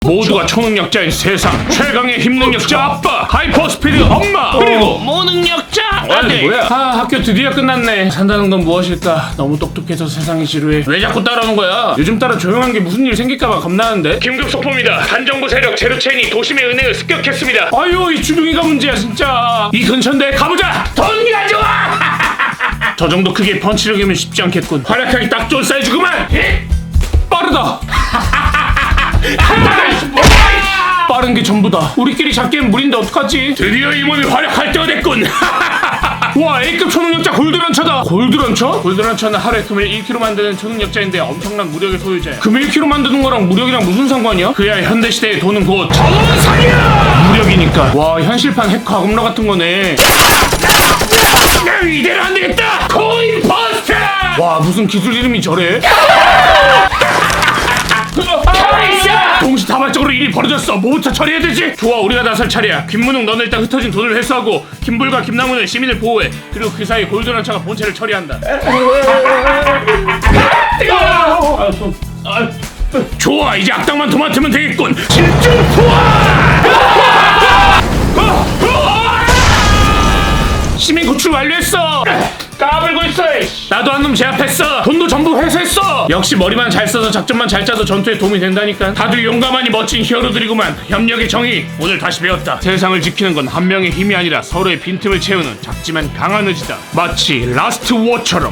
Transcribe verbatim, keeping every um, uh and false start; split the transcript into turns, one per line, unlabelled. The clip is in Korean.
모두가 초능력자인 세상 최강의 힘능력자 아빠 하이퍼스피드 엄마 그리고 모능력자 아들. 뭐야? 아, 학교 드디어 끝났네. 산다는 건 무엇일까? 너무 똑똑해서 세상이 지루해. 왜 자꾸 따라오는 거야? 요즘 따라 조용한 게 무슨 일 생길까봐 겁나는데. 긴급 속보입니다. 반정부 세력 제로체인이 도심의 은행을 습격했습니다. 아유, 이 주둥이가 문제야 진짜. 이 근처인데 가보자. 돈 가져와. 저 정도 크기의 펀치력이면 쉽지 않겠군. 활약하기 딱 좋은 사이즈구만. 빠르다. 빠른 게 전부다. 우리끼리 잡기엔 무리인데 어떡하지? 드디어 이 몸이 활약할 때가 됐군. 와, A급 초능력자 골드런처다. 골드런처? 골드런처는 하루에 금을 일 킬로그램 만드는 초능력자인데 엄청난 무력의 소유자야. 금 일 킬로그램 만드는 거랑 무력이랑 무슨 상관이야? 그야 현대시대의 돈은 곧 전원상이야! 무력이니까. 와, 현실판 해커 악음러 같은 거네. 이대로 안 되겠다! 코인 버스터! 와, 무슨 기술 이름이 저래? 동시다발적으로 일이 벌어졌어. 뭐부터 처리해야 되지? 좋아, 우리가 나설 차례야. 김문웅, 너는 일단 흩어진 돈을 회수하고 김불과 김남훈은 시민을 보호해. 그리고 그 사이 골드런처가 본체를 처리한다. 좋아, 이제 악당만 도맡으면 되겠군. 집중 투하! 시민 구출 완료했어. 까불고 있어. 나도 한 놈 제압했어. 돈도 전부 회수했어. 역시 머리만 잘 써서 작전만 잘 짜서 전투에 도움이 된다니까. 다들 용감하니 멋진 히어로들이구만. 협력의 정의 오늘 다시 배웠다. 세상을 지키는 건 한 명의 힘이 아니라 서로의 빈틈을 채우는 작지만 강한 의지다. 마치 라스트 워처럼.